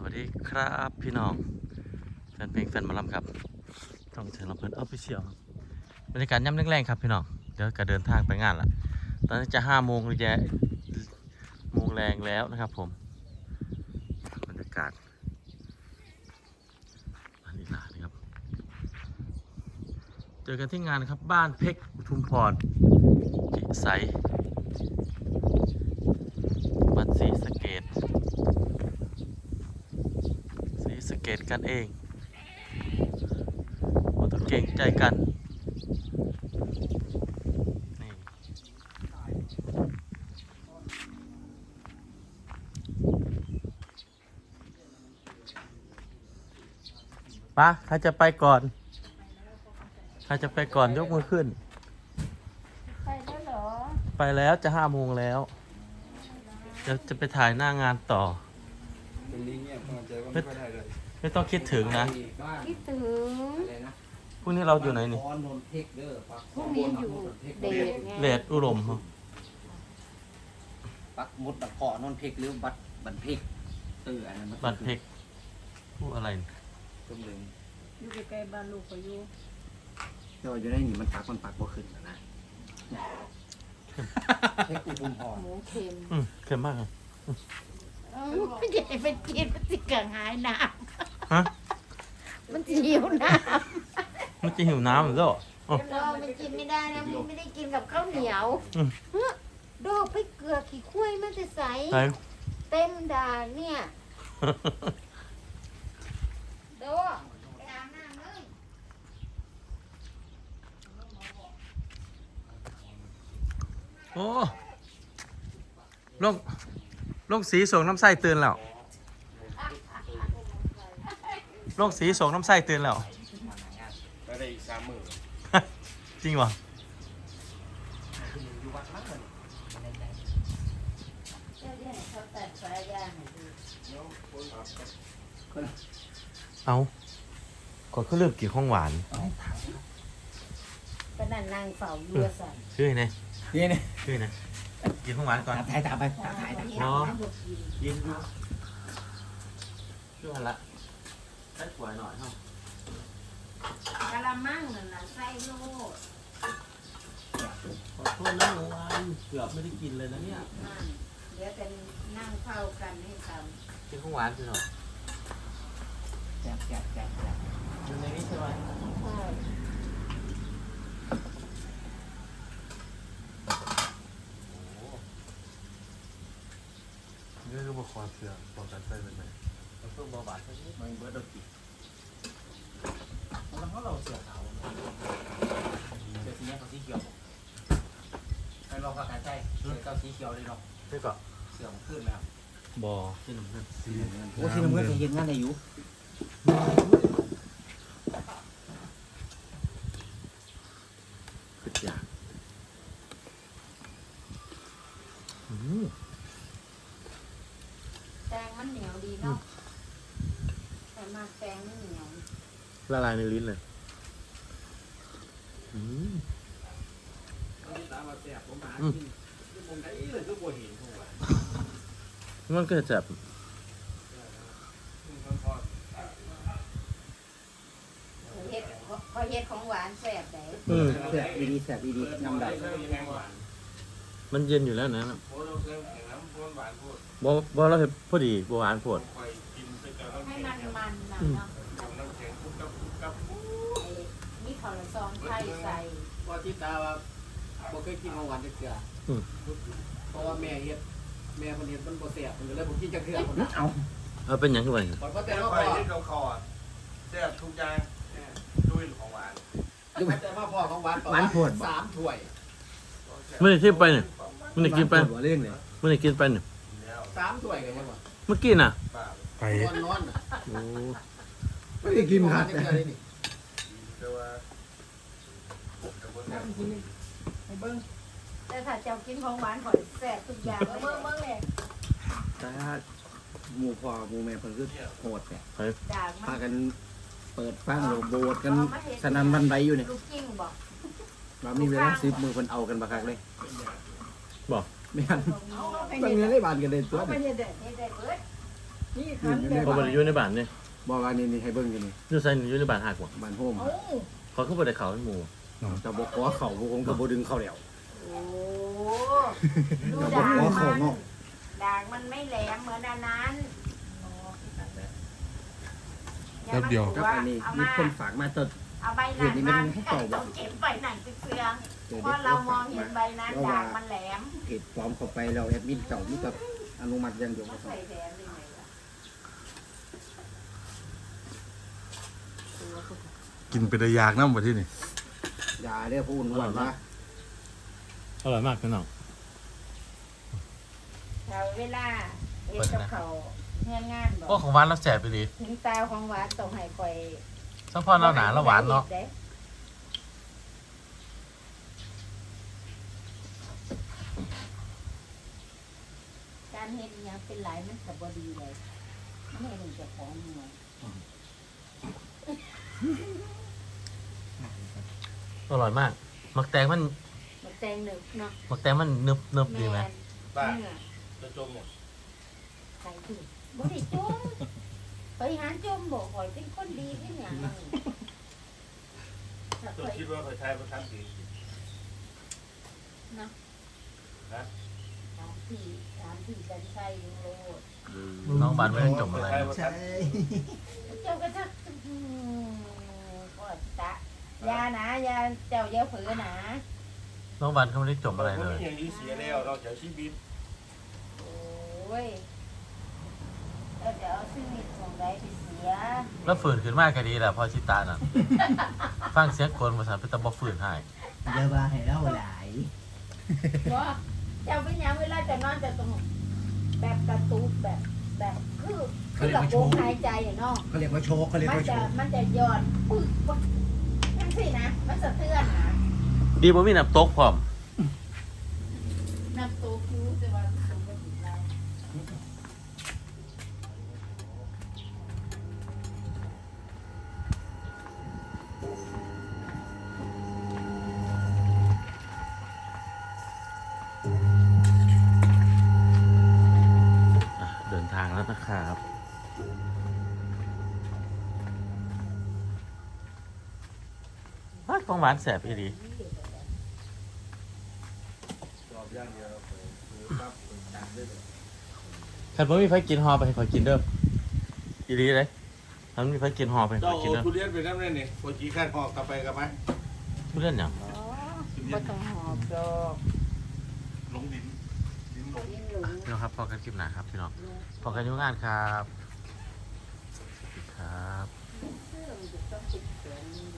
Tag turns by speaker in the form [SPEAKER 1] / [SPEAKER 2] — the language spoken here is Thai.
[SPEAKER 1] วัสดีครับพี่น้องแฟนเพลงแฟนหมอลำครับต้องเชิญลำเพลินออฟฟิเชียลบรรยากาศย่ำแรงๆครับพี่น้องเดี๋ยวก็เดินทางไปงานละตอนนี้จะ5 โมงหรือจะโมงแรงแล้วนะครับผมบรรยากาศอันนี้ล่ะนะครับเจอกันที่งานครับบ้านเพชรอุทุมพรพิสัยวัดศรีสะเกษกันเองเราต้องเก่งใจกันนี่ปะใครจะไปก่อนยกมือขึ้น
[SPEAKER 2] ไปแล้วเหรอ
[SPEAKER 1] ไปแล้วจะ5 โมงแล้วจะไปถ่ายหน้างานต่อไม่ต้องคิดถึงนะ
[SPEAKER 2] คิดถึง
[SPEAKER 1] พรุ่งนี้เราอยู่ไหนนี่
[SPEAKER 2] พรุ่งนี้อยู่เดชไง
[SPEAKER 1] เลดอุดม
[SPEAKER 3] ปักมุดตะเกาะนนเพกหรือบันเพกอันนั้น
[SPEAKER 1] บัตรเพกผู้อะไร
[SPEAKER 3] ต้มเหลือง
[SPEAKER 2] อยู่ใกล้ๆบ้านลูกก็อยู่
[SPEAKER 3] แต่ว่าอยู่ในนี่มันปักบ่ขึ้นนะเพกอุทุมพร
[SPEAKER 2] หมูเค็ม
[SPEAKER 1] เค็มมากเลย
[SPEAKER 2] ไม่ใช่ไปกินมันสิเกิดหายน้
[SPEAKER 1] ฮะ
[SPEAKER 2] ำมันหิวน้
[SPEAKER 1] มันจะหิวน้ำหรือเปล่า
[SPEAKER 2] เรามันกินไม่ได้นะมันไม่ได้กินกับข้าวเหนียวดอกไปเกลือขี้ข้วยมันจะใสเต็มด่านเนี่ยโดไปอาบน้ำเลย
[SPEAKER 1] โอ้ลงสีส่งน้ำไส้ตื่นแล้วลงสีส่งน้ำไส้ตื่นแล้ว
[SPEAKER 4] ก็ได้อีก30,000
[SPEAKER 1] จริงวะเอาก่อนเขาเริ่มกินของหวาน
[SPEAKER 2] ก็นั่นนางเฝ้าเรือสั่น
[SPEAKER 1] ชื่อไง
[SPEAKER 3] นี่
[SPEAKER 1] ชื่อไงกินของหวานก่อน
[SPEAKER 3] ถ่ายไปถ่าย
[SPEAKER 1] อ๋อกินดูชื่ออะไรละใส่ถั่วหน่อยเท่
[SPEAKER 2] ากะละมังนั่นน่ะใส่โลด
[SPEAKER 1] ขอโทษนะหนูวันเกือบไม่ได้กินเลยนะเนี่ย
[SPEAKER 2] เดี๋ยวจะนั่งเฝ้ากันให้ท
[SPEAKER 1] ำกินของหวานสิหน่อย
[SPEAKER 3] แจก
[SPEAKER 1] อยู่ในนี้ใช่ไหมนี่คือบุคคลเสือบอกกันใส่เป็นไงเราต้องเบาบาดแค่นี้
[SPEAKER 3] มันเบิร์ดดกิแล้วเราเสือขาวเสือสีนี้เขาสีเขียวให้ลองกับการใช้เสือเจ้าสีเขียวเลยเนาะ
[SPEAKER 1] นี่ก็
[SPEAKER 3] เสือมันขึ้นแล้ว
[SPEAKER 1] บอที่หนุ่มเนี่ย
[SPEAKER 3] โอ้ที่น้ำเงินเห็นงานได้อยู่
[SPEAKER 1] ขึ้นยาก
[SPEAKER 2] ำแตงมันเหนียวดีเนาะแต่มาแตงไม่เหนียว
[SPEAKER 1] ละลายในลิ้นเลยมันก็จะจับ
[SPEAKER 2] พอเฮ็ดของหวานแซ่บไหน
[SPEAKER 3] แซ่บดีน้ำได้
[SPEAKER 1] มันเย็นอยู่แล้วนะบอเราเห็นพอดีบหวานโผด
[SPEAKER 2] ให้มันนะเนาะนี่ข้าวซองไข่ใส่
[SPEAKER 3] พอที่ตาว่าบ่เคยกินของหวานจักเทื่อเพราะว่าแม่เฮ็ดคนเฮ็ดมันบ่แซ่บมันก็เลยบ่กินจักเทื่อ
[SPEAKER 1] เอาเป็นอย่างไร
[SPEAKER 4] เพราะแต่ว่าไปที่เขาแซ่บทุกอย่างด้วยของหวาน
[SPEAKER 3] แต่ว่าพ่อของหวานโผด3 ถ้วย
[SPEAKER 1] ไม่ได้ที่ไปเนี่ยไม่ได้กินไป
[SPEAKER 3] เรื่องเลย
[SPEAKER 1] ไม่ได้กินไปเนี่ย
[SPEAKER 3] 3 ถ้วยกันยังวะ
[SPEAKER 1] เมื่อกี้น่ะ
[SPEAKER 3] ไปนอน
[SPEAKER 1] โอ้
[SPEAKER 3] ไม่ได้กินครับ
[SPEAKER 2] แต่ถ้าเจ้ากินของหวานขอแซ่บทุกอย่างเบิ่งเลย
[SPEAKER 3] ถ้าหมู่พ่อหมู่แม่เพิ่นคือโหดเนี่ยพากันเปิดฟังโบสถ์กันสนั่นวันใดอยู่เนี่ย
[SPEAKER 2] ลูกกิ้งบอก
[SPEAKER 3] เรามีเวลา10 มื้อเพิ่นเอากันบักคักเลย
[SPEAKER 1] บอก
[SPEAKER 3] ไม่ทันบางเงินได้บานกันเลยตัว
[SPEAKER 2] นี้นี่คันแบบ
[SPEAKER 1] เขาบ่ได้อยู่ในบ้านนี่
[SPEAKER 3] บอกว่านี่ให้เบิ่งอยู่นี่
[SPEAKER 1] อยู่ไสอยู่ในบ้านหักบ่
[SPEAKER 3] บ้านโฮม
[SPEAKER 2] เอ้า
[SPEAKER 1] เขาคือบ่ได้เข้าในหมู่
[SPEAKER 3] จะบอกขอเข่าบ่คงก็บ่ดึงเข้าแล้ว
[SPEAKER 2] โอ้ดู
[SPEAKER 3] จะบอ
[SPEAKER 2] ด่าก ง
[SPEAKER 3] ขอเข่า
[SPEAKER 2] มัน
[SPEAKER 3] เนาะ
[SPEAKER 2] ด่างมันไม่แหลมเหมือนอันนั้น
[SPEAKER 5] แป๊บเดียว
[SPEAKER 3] กับอันนี้มีคนฝากมาตัด
[SPEAKER 2] เอาใบนั้นมาต้องเก็บใบไหนไปเฟืองเพราะเรามองเห็นใบนั้นด่างมันแหลม
[SPEAKER 3] เพจปลอมเข้าไปแล้วแอดมินเก่ามีแต่อนุมัติอย่างเดียวก็
[SPEAKER 2] ใส่แดงได้ไงล่ะ
[SPEAKER 5] กินไปได้ยากน้ำบ่ที่นี่
[SPEAKER 3] อย่าเรียกผู้อ้วนนะ
[SPEAKER 1] อร่อยมากพี่น้อง
[SPEAKER 2] เราเวลาเอ็ดกับเขาเฮือนงานบ
[SPEAKER 1] โอ้
[SPEAKER 2] อก
[SPEAKER 1] ของหวานแล้วแซ่บไปดี
[SPEAKER 2] ถึงตาของหวานต้องให้คอย
[SPEAKER 1] ซัพพอร์ตเราหนาแล้วหวานเนาะ
[SPEAKER 2] การเฮ็ดอหยังเป็นหลายมันก็บ่ดีเลยไม่เห็นเจะของหน่วย
[SPEAKER 1] อร่อยมากมักแตงมัน
[SPEAKER 2] มันแตงหนึบเนาะ
[SPEAKER 1] มักแตงมันนึบดีไหม
[SPEAKER 4] บ้า
[SPEAKER 2] เนื้อ
[SPEAKER 4] จะจมหมด
[SPEAKER 2] ใส่ถุงบ่ได้จุ่มไปหาจุ่มบ่ข่อยเป็นคนดีที่หยังนั่นถ้า
[SPEAKER 4] ตัว
[SPEAKER 2] ข่อย
[SPEAKER 4] คิดว่าเคยใช้ประทับปี
[SPEAKER 2] เนาะ
[SPEAKER 4] นะ
[SPEAKER 2] ถามพี่กันใส่อยู่โลด
[SPEAKER 1] น้องบานไม่ได้จมอะไร
[SPEAKER 4] ใช่
[SPEAKER 2] เจ้าก็จะก็ตะยานะยาเจ้าอย่าฝืนนะ
[SPEAKER 1] น้องบานเขาไม่ได้จมอะไรเลย
[SPEAKER 4] อย่างนี้เสียแล้วเราจะชีวิต
[SPEAKER 2] โอ้ยแล้วจะเอาชีวิตของใดไปเสีย
[SPEAKER 1] แล้วฝืนขึ้นมากก็ดีแหละพอชิตาน่ะ ฟังเสียงคนภาษาเป็นตะบอฝืนให้
[SPEAKER 3] เดี๋ยวว่าให้เล่าหลาย
[SPEAKER 2] ว่าเจ้าเป็นหยังเวลาจะนอนจะต้องแบบกระตุกแบบคือระบบหายใจอะเนาะ
[SPEAKER 3] เขาเรียกว่าโชว์เขาเรียก
[SPEAKER 2] มัน
[SPEAKER 3] ว่าโช
[SPEAKER 2] จะ
[SPEAKER 3] ว์
[SPEAKER 2] มันจะย้อนปึ๊กปึ๊กนั่นสินะมันสะเทือนนะ
[SPEAKER 1] ดีบ่มีน้ำตกพร้อม
[SPEAKER 2] น้ำตัวคิ้วจะว่าสมบูรณ์แล้ว
[SPEAKER 1] เดินทางแล้วนะครับของหวานแสบอีดี
[SPEAKER 4] จอบย่างเดียวปั๊บจัดได้เลย
[SPEAKER 1] คันบ่มีไฟกินหอไปให้ขอยกินเด้ออีดีเลยคันมีไฟกินหอไปให้ข
[SPEAKER 4] เจ้า
[SPEAKER 1] อยกิน
[SPEAKER 4] โอ้
[SPEAKER 1] เด้อ
[SPEAKER 4] ทุเรียนไปน้ำเลยนี่พอจีขั้นหอกกลับไปกับไหม
[SPEAKER 1] ทุเรียนหยัง
[SPEAKER 2] อ๋อบ่ต้องหอบดอก
[SPEAKER 4] ลงดินลง
[SPEAKER 2] ยินหลุง
[SPEAKER 1] พี่น้องครับพอกันคลิปหน้าครับพี่น้องพอกันอยุ่งงานครับสวัสดีครับ
[SPEAKER 2] เสื้อมันจะต้องติดแขน